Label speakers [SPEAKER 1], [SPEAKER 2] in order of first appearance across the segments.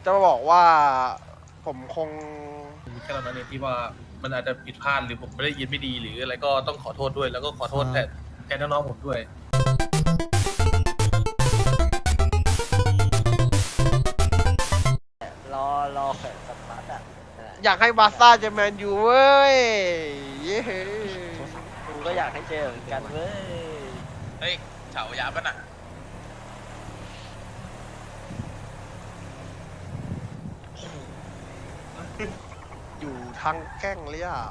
[SPEAKER 1] จะมาบอกว่าผมคง
[SPEAKER 2] แค่นั้นเองที่ว่ามันอาจจะผิดพลาดหรือผมไม่ได้ยินไม่ดีหรืออะไรก็ต้องขอโทษด้วยแล้วก็ขอโทษแทนน้องๆผมด้วย
[SPEAKER 3] รอแขวนสตาร์ทอ่ะ
[SPEAKER 1] อยากให้บาร์ซ่าเจอแมนยูเว้ยเย้
[SPEAKER 3] กูก็อยากให้เจอเหมือนกันเว้ย
[SPEAKER 4] เฮ้ยเฉายาป่ะน่ะ
[SPEAKER 1] อยู่ทางแกล้งเลยอ่ะ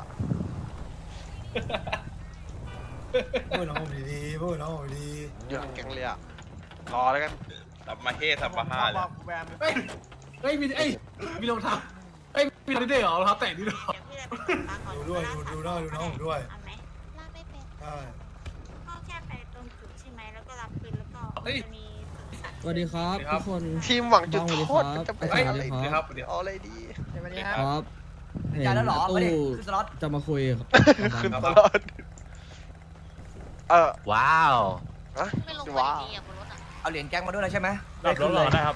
[SPEAKER 5] พูดน้องผมดีๆพูดน้องผมดี
[SPEAKER 1] อยู่ทางแกล้งเลยอ่ะรอแล้วกัน
[SPEAKER 4] สัมมาเฮสัมมาฮาเลย
[SPEAKER 2] เฮ้ยมีรองเท้าเฮ้ยมีรองเท้าด้วยเหรอรองเท้าแตะนี่เหรอ
[SPEAKER 5] ดูด้วยดูน้องผมด้วย
[SPEAKER 6] เอาไหมลากไม่เป็น
[SPEAKER 5] ใช่
[SPEAKER 6] ก็แค่ไปตรงจุดใช่ไหมแล้วก็รับปืนแล้วก็จะมีสัตว์
[SPEAKER 7] สวัสดีครับทุกคน
[SPEAKER 1] ทีมหวังจุดโทษ
[SPEAKER 7] บ้าง
[SPEAKER 1] มันจะไป
[SPEAKER 7] สวัส
[SPEAKER 1] อะไร
[SPEAKER 7] ดี
[SPEAKER 1] ดี
[SPEAKER 7] ครับ
[SPEAKER 1] เอาอะไรดี
[SPEAKER 7] ครับเห็น
[SPEAKER 3] จ่ายแล้วเหรอ
[SPEAKER 7] ตู้
[SPEAKER 3] ไม่ได้คือสล็อต
[SPEAKER 7] จะมาคุยกับ
[SPEAKER 1] ขึ้น
[SPEAKER 7] บ้าง
[SPEAKER 1] ต
[SPEAKER 7] ครับ
[SPEAKER 1] ลอด
[SPEAKER 4] ว้าว
[SPEAKER 1] อะ
[SPEAKER 6] ไม่ลง
[SPEAKER 1] ว้าว
[SPEAKER 6] ดีอ่ะบนรถอ่ะ
[SPEAKER 3] เอาเหรียญแก๊งมาด้วยเลยใช่ไหม
[SPEAKER 2] รับรถรอได้ครับ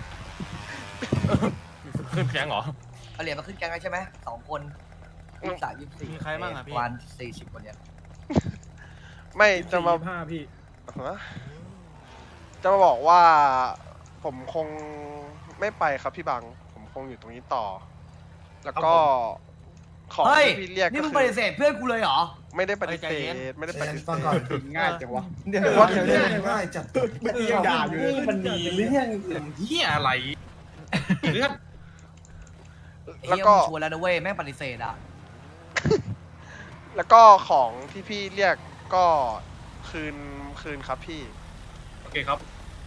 [SPEAKER 2] ขึ้นแก๊งเหรอ
[SPEAKER 3] เอาเหรียญมาขึ้นแก๊งได้ใช่ไหม2 คน23 24
[SPEAKER 2] มีใครบ้างอะพี่
[SPEAKER 3] วัน40 คนเนี้ย
[SPEAKER 1] ไม่จะมา
[SPEAKER 2] พี่
[SPEAKER 1] ฮะจะมาบอกว่า ผมคงไม่ไปครับพี่บัง ผมคงอยู่ตรงนี้ต่อ แล้วก็ของ
[SPEAKER 3] เฮ้ย
[SPEAKER 1] ที่พี่เรียก
[SPEAKER 3] นี่
[SPEAKER 1] ก็
[SPEAKER 3] มึง
[SPEAKER 1] คื
[SPEAKER 3] ป
[SPEAKER 1] อ
[SPEAKER 3] ฏิเสธเพื่อนกูเลยเหรอ
[SPEAKER 1] ไม่ได้ปฏิเสธไม่ได้ปฏิเส
[SPEAKER 5] ฟังก่อน
[SPEAKER 1] ธ
[SPEAKER 8] ง่ายจังวะ
[SPEAKER 5] เดี๋ยวง่ายจัด
[SPEAKER 8] เมื่อกี้ยังด่าอยู่เลยมันมีเรื่อง
[SPEAKER 2] เฮียอะไรเลือด
[SPEAKER 1] แล้ว
[SPEAKER 3] เฮีย
[SPEAKER 1] ก็
[SPEAKER 3] มึงชวนแล้วนะเว้ยแม่งปฏิเสธอ่ะ
[SPEAKER 1] แล้วก็ของที่พี่เรียกก็คืนครับพี่
[SPEAKER 2] โอเคครับ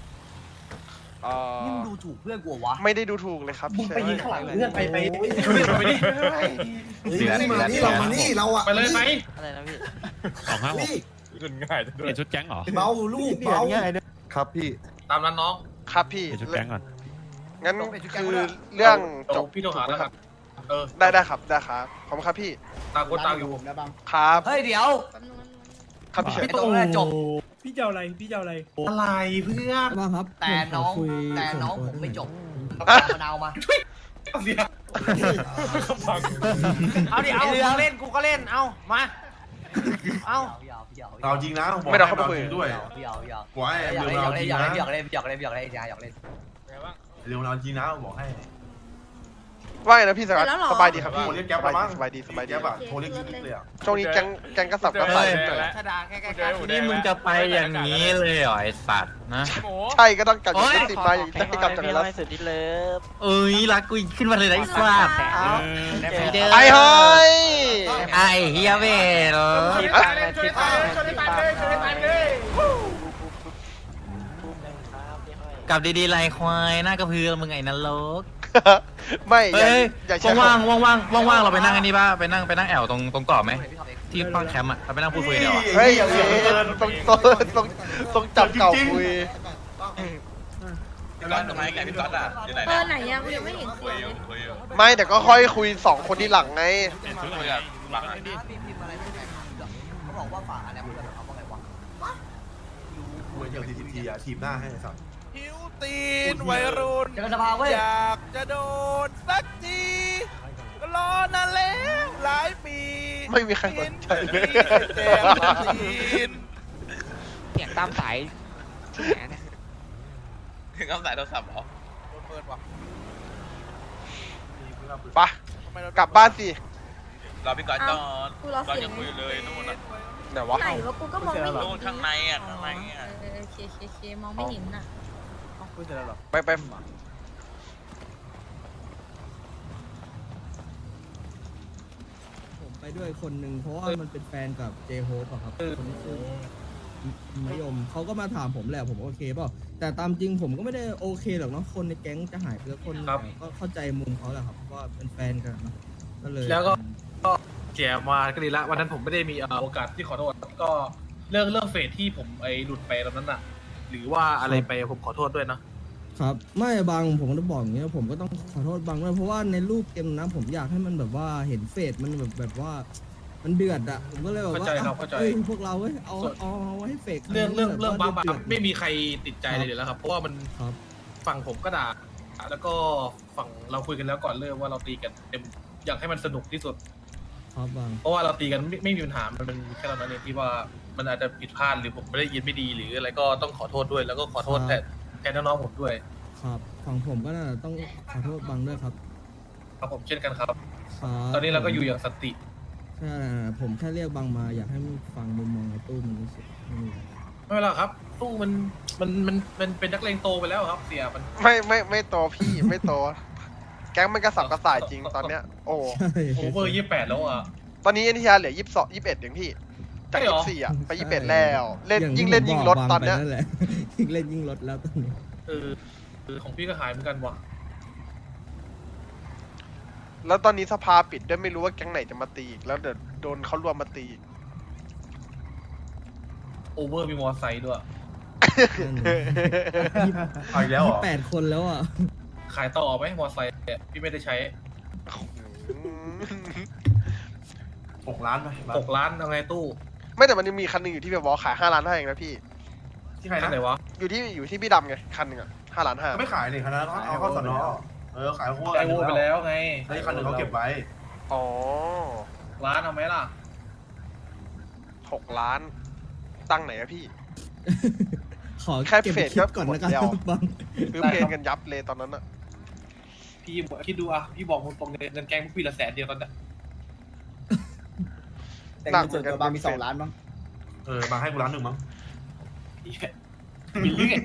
[SPEAKER 3] นี่มึงดูถูกเพื่อนกูเหรอวะ
[SPEAKER 1] ไม่ได้ดูถูกเลยครับ
[SPEAKER 8] มึงไปยิงข้างหลังเพื่อนไป
[SPEAKER 2] ไปดิ
[SPEAKER 5] นี่มานี่เรามานี่เราอ่ะ
[SPEAKER 2] ไปเลยไหม
[SPEAKER 3] อะไรนะพี่
[SPEAKER 5] นี่
[SPEAKER 2] ขึ้นง่ายจะด้วย
[SPEAKER 9] ชุดแก๊งเหรอ
[SPEAKER 5] เบาลูกเบา
[SPEAKER 8] ครับพี่
[SPEAKER 2] ตามนั้นน้อง
[SPEAKER 1] ครับพี่
[SPEAKER 9] ชุดแก๊งก่อน
[SPEAKER 1] งั้นคือเรื่องจบ
[SPEAKER 2] พี่โทรหาแล้วครับเออ
[SPEAKER 1] ได้ครับได้ครับขอบคุณครับพี่
[SPEAKER 2] ตามคนตามอยู่
[SPEAKER 8] นะบัง
[SPEAKER 1] ครับ
[SPEAKER 3] เฮ้ยเดี๋ยว
[SPEAKER 6] แป๊บนึง
[SPEAKER 1] ครับพี่เฉย
[SPEAKER 3] ไอ้ตรงนั้นจบ
[SPEAKER 2] พี่เจ้าอะไรอะไรเพื่อน
[SPEAKER 7] บ้างครับ
[SPEAKER 3] แต่น้อง
[SPEAKER 7] ผมขคุย
[SPEAKER 3] แต่น้อง
[SPEAKER 7] ส่
[SPEAKER 3] ผ
[SPEAKER 7] วนตัว
[SPEAKER 3] มไม่จบ
[SPEAKER 1] อ่ะ
[SPEAKER 3] มะนาวมา
[SPEAKER 2] เสีย
[SPEAKER 3] เอาดิเอาเรือเล่นกูก็เล่น เอามาเอา
[SPEAKER 8] เราจริงนะ
[SPEAKER 1] ไม่ได้เข้าไปคุย
[SPEAKER 8] ด้วย
[SPEAKER 3] หยอก
[SPEAKER 8] บอกให้
[SPEAKER 3] หยอก
[SPEAKER 8] เร็วเราจริงนะ
[SPEAKER 3] หยอกเล่นหยอกเล่นหยอกเล่นหยอกเล่นหยอกเล่น
[SPEAKER 8] เร็วเราจริงนะบอกให้
[SPEAKER 1] ว่าไงนะพี่สกัดสบายดีครับพี่
[SPEAKER 8] โทรเรียกแก๊ปมามั้ง
[SPEAKER 1] สบายดีสบายดี
[SPEAKER 8] แก๊ปอะโทรเรียกกิ๊กเลยอะ
[SPEAKER 1] ช่วงนี้แกงกระสับกระส่ายหน่อย
[SPEAKER 3] ถ้าด่าแค่
[SPEAKER 4] นี่มึงจะไปอย่างนี้เลยเหรอไอสัตว์นะ
[SPEAKER 1] ใช่ก็ต้องกลับจากติดมาอย่างจะให้กลับจากแล้ว
[SPEAKER 3] สุดที่เลิฟ
[SPEAKER 4] เอ้ยรักกูขึ้นมาเลยนะไอ้สัตว์
[SPEAKER 1] ไอ้เฮ้ย
[SPEAKER 4] ไอ้เฮียเวล กับดีๆไรควายหน้ากระเพือมึงไอ้นรก
[SPEAKER 1] ไม่อ
[SPEAKER 4] เฮ้ย
[SPEAKER 1] ย่าใช้
[SPEAKER 4] ว่างๆว่างๆเราไปนั่งอันนี้ป่ะไปนั่งแอวตรงเกาะไหมที่ป้างแคมป์อ่ะเราไปนั่งพูดคุยเดียวอ่ะ
[SPEAKER 1] เฮ้ยอย่างนี้ต้องจับเก่าคุย
[SPEAKER 4] พี่ก๊อตทำไมแกพี่ก๊อตอ่ะอยู่ไหน
[SPEAKER 6] เบอร์ไหนยังไม่เห็นเสียงเลย
[SPEAKER 1] ไม่แต่ก็ค่อยคุย2 คนที่หลังไง
[SPEAKER 4] คุยกับบัง
[SPEAKER 3] เขาบอกว่าฝากอะไรเพื่อนเขาบอกไงวะ
[SPEAKER 8] คุยเดียวทีอะทีมหน้าให้สัตว์
[SPEAKER 4] หิวตีนวัยรุ่น
[SPEAKER 3] เจอสภาเว้ย
[SPEAKER 4] อยากจะโดนสักทีก็รอนานแล้วหลายปี
[SPEAKER 1] ไม่มีใครสนใจเลย
[SPEAKER 4] แก้มตีน
[SPEAKER 3] เสียงตามสายที่ไหนเนี่ย
[SPEAKER 4] ถึงคำสายโทรศัพท์เหรอเปิดว่ะ
[SPEAKER 1] ไปกลับบ้านสิ
[SPEAKER 4] รอพี่ก๊อตก่อน
[SPEAKER 6] กูรอ
[SPEAKER 4] ก๊อต
[SPEAKER 6] เสีย
[SPEAKER 4] ยัง งคุยอยู่เลยนู่นน่ะ
[SPEAKER 1] ไหนวะ
[SPEAKER 6] ไหนวะกูก็มองไม่เห็น
[SPEAKER 4] นู่นข้างในอ่ะข้างในอ่ะ
[SPEAKER 6] เคมองไม่เห็นน่ะ
[SPEAKER 1] ไป
[SPEAKER 7] ผมไปด้วยคนหนึ่งเพราะว่ามันเป็นแฟนกับเจโฮปอะครับคนที่ชื่อมยมเขาก็มาถามผมแหละผมโอเคเปล่าแต่ตามจริงผมก็ไม่ได้โอเคหรอกเนาะคนในแก๊งจะหายไปแล้วคนแต่ก็เข้าใจมุมเขาแหละครับว่าเป็นแฟนกันเนาะก็เลย
[SPEAKER 2] แล้วก็เสียมาก็ดีละวันนั้นผมไม่ได้มีโอกาสที่ขอโทษก็เรื่องเฟสที่ผมไอ้หลุดไปตอนนั้นน่ะ หรือว่าอะไรไปผมขอโทษด้วยนะครับ
[SPEAKER 7] ไม่บางผมก็บอกอย่างเงี้ยผมก็ต้องขอโทษบางด้วยเพราะว่าในรูปเกมนะผมอยากให้มันแบบว่าเห็นเฟสมันแบบว่า มันเดือดอะผมก็เลยแบบว่าเอ้ยพวกเราเว้ยเอาไว้ให้เฟก
[SPEAKER 2] เรื่องบางไม่มีใครติดใจเลยเดี๋ยวแล้วครับเพราะว่ามัน
[SPEAKER 7] ครับ
[SPEAKER 2] ฝั่งผมก็ด่าแล้วก็ฝั่งเราคุยกันแล้วก่อนเริ่มว่าเราตีกันเต็มอยากให้มันสนุกที่สุด
[SPEAKER 7] ครับบาง
[SPEAKER 2] เพราะว่าเราตีกันไม่มีปัญหามันเป็นแค่ตอนนั้นเองที่ว่ามันอาจจะผิดพลาดหรือผมไม่ได้ยินไม่ดีหรืออะไรก็ต้องขอโทษด้วย แล้วก็ขอโทษแทนน้องๆผมด้วย
[SPEAKER 7] ครับฝั่งผมก็น่าจะต้องขอโทษบางด้วยครับ
[SPEAKER 2] ครับผมเช่นกันครับ
[SPEAKER 7] ครับ
[SPEAKER 2] ตอนนี้เราก็อยู่อย่างสันติ
[SPEAKER 7] ใช่ผมแค่เรียกบางมาอยากให้ฟังมุมมองในตู้มันรู้สึกไม่มีอะไร
[SPEAKER 2] ไม่เป็นไรครับตู้มันเป็นนักเลงโตไปแล้วครับ เสียมัน
[SPEAKER 1] ไม่โตพี่ไม่โต แก๊งมันกระสับกระส่ายจริงตอนเนี้ย โอ้
[SPEAKER 7] ใช่
[SPEAKER 2] โอเวอร์28แล้วอ่ะ
[SPEAKER 1] ตอนนี้เอ็นทีอาร์เหลือ22 21เองพี่ จาก
[SPEAKER 2] ใช่เหรอ
[SPEAKER 1] 24อ่ะไป21แล้วเล่น
[SPEAKER 7] อา
[SPEAKER 1] ยิ่ง
[SPEAKER 7] ที่
[SPEAKER 1] เล่น
[SPEAKER 7] ผม
[SPEAKER 1] ยิ่ง
[SPEAKER 7] บ
[SPEAKER 1] ล
[SPEAKER 7] อก
[SPEAKER 1] ด
[SPEAKER 7] บาง
[SPEAKER 1] ตอนเนี้ย
[SPEAKER 7] ไปแหละ ยิ่งเล่นยิ่งลดแล้วตอนนี้
[SPEAKER 2] ของพี่ก็หายเหมือนกันว่ะ
[SPEAKER 1] แล้วตอนนี้สภาปิดด้วยไม่รู้ว่าแก๊งไหนจะมาตีอีกแล้วเดี๋ยวโดนเขารวมมาตีอีก
[SPEAKER 2] โอเวอร์มีมอไซค์ด้วย
[SPEAKER 8] เอาอีกแล้วเหรอ
[SPEAKER 7] 8 คนแล้วอ่ะ
[SPEAKER 2] ขายต่อไหมมอไซค์เนี่ยพี่ไม่ได้ใช้
[SPEAKER 8] 6 ล้านไป
[SPEAKER 2] 6 ล้านเอาไงตู้
[SPEAKER 1] ไม่แต่มันยังมีคันหนึงอยู่ที่แบบว่าขาย5 ล้านให้เองนะพี่
[SPEAKER 8] ที่ใคร
[SPEAKER 2] คัน
[SPEAKER 8] นะ
[SPEAKER 2] ไหนวะ
[SPEAKER 1] อยู่ที่พี่ดำไงคันหนึ่งอ่ะ5 ล้าน
[SPEAKER 8] ไม่ขายนี่คันนั้นเอาเข้าสนอขายพวก
[SPEAKER 2] ไอโวไปแล้วไง
[SPEAKER 8] ไอ้คันหนึ่งเขาเก็บไว้
[SPEAKER 1] อ๋อ
[SPEAKER 2] ร้านเอาไหมล่ะ
[SPEAKER 1] 6 ล้าน ตั้งไหนอะพี่
[SPEAKER 7] ขอ
[SPEAKER 1] แค่
[SPEAKER 7] เก็บ
[SPEAKER 1] เฟ
[SPEAKER 7] ไป
[SPEAKER 1] ส
[SPEAKER 7] คิด
[SPEAKER 1] ก็
[SPEAKER 7] ก่อน
[SPEAKER 1] หมด
[SPEAKER 7] นะครั
[SPEAKER 1] แล้ว
[SPEAKER 7] บ บาง
[SPEAKER 1] ซื้อเพลงกันยับเลยตอนนั้นอะ
[SPEAKER 2] พี่คิดดูอ่ะพี่บอกตรงๆเลยเงินแกงพวกพี่ละ100,000เดียวตอนเนี้ย
[SPEAKER 9] แต่เงินส่วนตัวบางมี2 ล้านมั้ง
[SPEAKER 8] มาให้กูล้านหนึ่งมั้ง
[SPEAKER 2] มีเรื่อง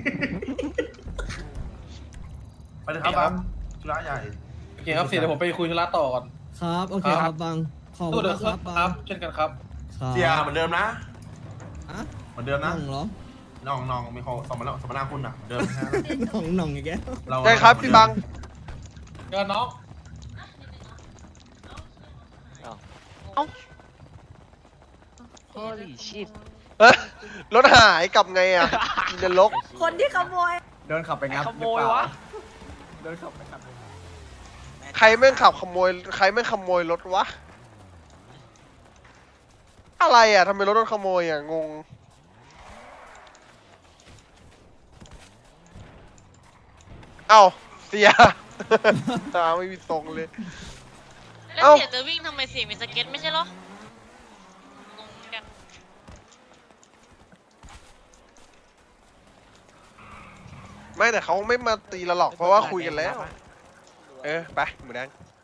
[SPEAKER 8] ไปเลยครับบังธุระใหญ่
[SPEAKER 2] โอเคครับเสียเดี๋ยวผมไปคุยธุระต่อก่อน
[SPEAKER 7] ครับโอเคครับบางขอบคุ
[SPEAKER 2] ตู้
[SPEAKER 7] ณ
[SPEAKER 2] เดี๋ยว
[SPEAKER 7] นะ
[SPEAKER 2] ค
[SPEAKER 7] ค
[SPEAKER 2] รั
[SPEAKER 7] รั
[SPEAKER 2] บบ
[SPEAKER 7] บา
[SPEAKER 2] ครั
[SPEAKER 7] ง
[SPEAKER 2] บเช่นกันครับ
[SPEAKER 7] ครับ
[SPEAKER 8] เสียเหมือนเดิมนะ
[SPEAKER 7] อะ
[SPEAKER 8] เหมือนเดิม
[SPEAKER 7] น้
[SPEAKER 8] นะ
[SPEAKER 7] องเหรอ
[SPEAKER 8] น้องมีเขาสมนาคุณอ่ะเดิมนะ
[SPEAKER 7] น้องอีกแล้ว
[SPEAKER 1] ใช่ครับพี่บัง
[SPEAKER 2] เจอน้อง
[SPEAKER 3] Holy shit
[SPEAKER 1] เอ้ยรถหายกลับไงอะอินเดลก
[SPEAKER 6] คนที่ขโมย
[SPEAKER 9] โดนขับไปงับ
[SPEAKER 3] ขโมยวะ
[SPEAKER 9] โดนขับไปงับ
[SPEAKER 1] ใครแม่งขับขโมยใครแม่งขโมยรถวะ อะไรอะทำไมรถโดนขโมยอะงง เอ้าเสีย ตาไม่มีทรงเลย
[SPEAKER 6] แล้ว
[SPEAKER 1] เอ้า
[SPEAKER 6] เสียจะวิ่งทำไมเสียมีสเก็ตไม่ใช่เหรอ งงกัน
[SPEAKER 1] ไม่แต่เขาไม่มาตีเราหรอกเพราะว่าคุยกันแล้ว ไปหมูแดง